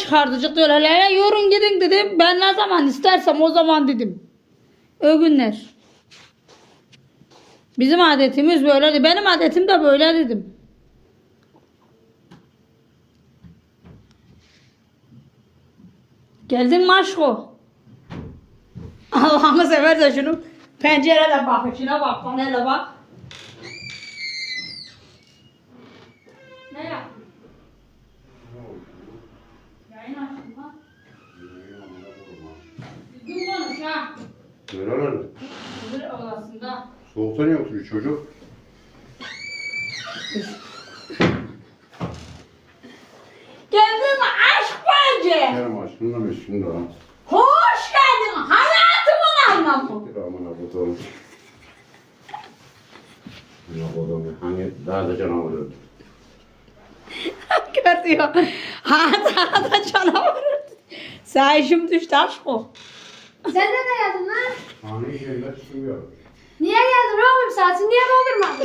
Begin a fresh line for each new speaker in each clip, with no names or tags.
çıkardıcık diyorlar. Ya yorun gidin dedim. Ben ne zaman istersem o zaman dedim. O günler. Bizim adetimiz böyleydi. Benim adetim de böyle dedim. Geldin mi aşko? Allah'ını seversen şunu pencerede bak. İçine bak. Panele bak. Ne yaptın? Yayın açtım ha. Düzgün konuş ha.
Nerelerde?
Öbür odasında.
Soğukta niye oturuyor çocuk?
Geldin mi aşk bence?
Kerem aşkınla meşgul da.
Hoş geldin hayatımın anlamı.
Bir aman abatalım. Ne abatalım? Hani daha da canavar öldü.
Görüyor. Hatta canavar. Sayışım düştü aşk o.
Sen de geldin lan?
Hani şeyler çıkıyor.
Niye geldin oğlum? Saatini niye doldurmadın?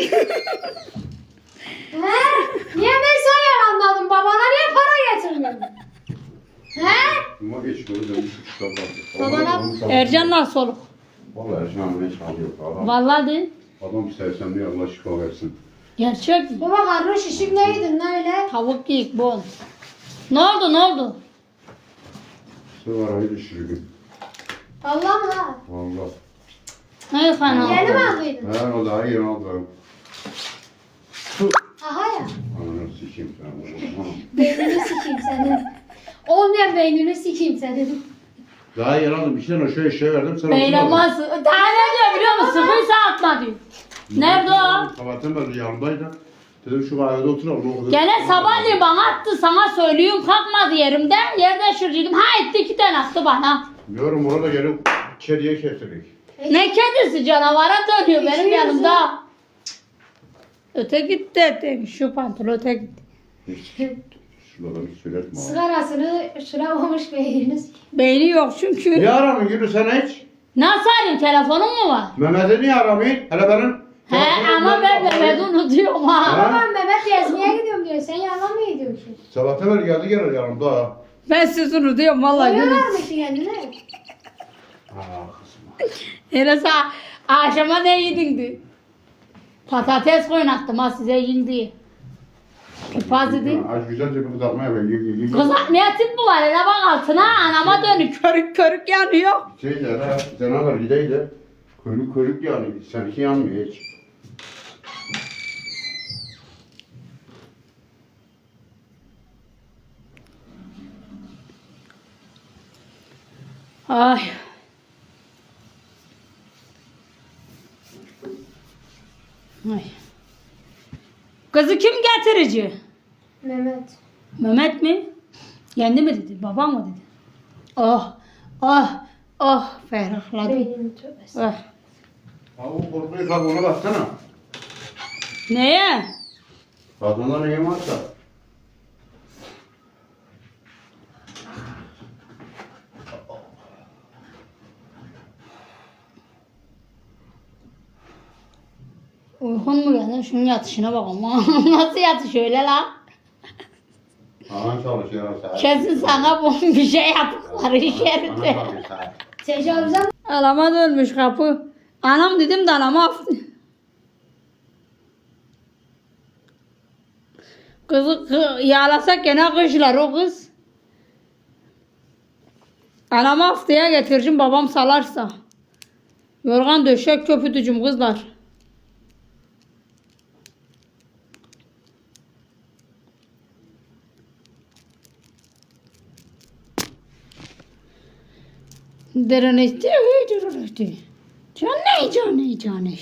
He? Niye mesai almadın? Babana niye para getirmedin? He?
Ama geç bunu dönmüş şu
Babana-
Ercan nasıl olur?
Vallahi Ercan ne çalıyor falan.
Vallahi de.
Adam sevsem diye Allah şifa versin.
Gerçek mi?
Baba karnın şişik neydin lan öyle?
Tavuk geyik bon. Ne oldu ne oldu?
Sıvarayı düşürgün.
Allah mı lan?
Valla.
Ne fena?
Yeni mi aldıydın?
He o daha yeni aldım.
Aha ya.
Ananı sikeyim sana.
Beynini sikeyim senin. Olmayan beynini sikeyim senin.
Daha yeni aldım. İki tane şöyle şey verdim. Sen
Beylemez. Daha ne diyor biliyor musun? Sıkıysa atma diyor. Nerede o?
Sabahtan beri yanımdaydı. Dedim şu kahvede oturalım.
Gene sabahleyin bana attı. Sana söylüyorum kalkmadı yerimden. Yerde şuracıydım. Ha etti 2 tane attı bana.
Diyorum orada gelip kediye kestirdik.
Ne kedisi canavara dönüyor benim
İçiyorsun.
yanımda. Öte gitti öte. Şu pantolon öte gitti.
Şuradan hiç söyletme abi.
Sigarasını süramamış beynini sikeyim.
Beyni yok çünkü.
Niye aramıyorsun Gülü sen hiç?
Nasıl arayayım? Telefonun mu var?
Mehmet'i niye aramıyorsun? Hele benim.
He ama ben Mehmet'i unutuyorum ha.
Ha?
Babam Mehmet gezmeye gidiyorum diyor. Sen yalan mı ediyorsun?
Sabahtan beri geldi gelir yanımda ha.
Ben sizi unutuyorum vallahi.
Koyuyorlar mı ki kendine?
Ah kızım.
Enes akşama ne yedin diye. Patates oynattım ha size yiyin diye. Kipaz dedi.
Az güzelce bir kızartmaya ver.
Kız ne tip bu var? Hele bak altına anama dönük körük körük yanıyor.
Şey de ha, canavar gideydi. Körük körük yani. Seninki yanmıyor hiç.
Ay. Ay. Kızı kim getirici?
Mehmet.
Mehmet mi? Kendi mi dedi? Babam mı dedi? Oh, oh, oh ferahladım.
Beynini tövbesi.
Oh.
Ha o korkuyu kalk ona baksana.
Neye?
Kadında neyim varsa.
Uykun mu geldi? Şunun yatışına bak ama. Nasıl yatış öyle la?
Anan çalışıyor saat.
Kesin sana bu bir şey yaptıkları iş yerinde.
Anan çalışıyor saat.
Tecavüzen
Alama dönmüş kapı. Anam dedim de anama aftı. Kızı yağlasak gene kışlar o kız. Anama haftaya getireceğim babam salarsa. Yorgan döşek köpütücüm kızlar. Derene canı.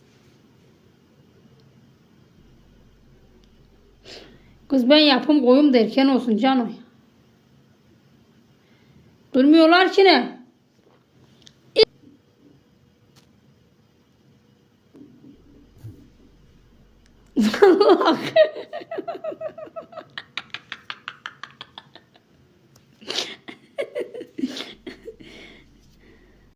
Kız ben yapım koyum derken olsun canım. Durmuyorlar ki ne?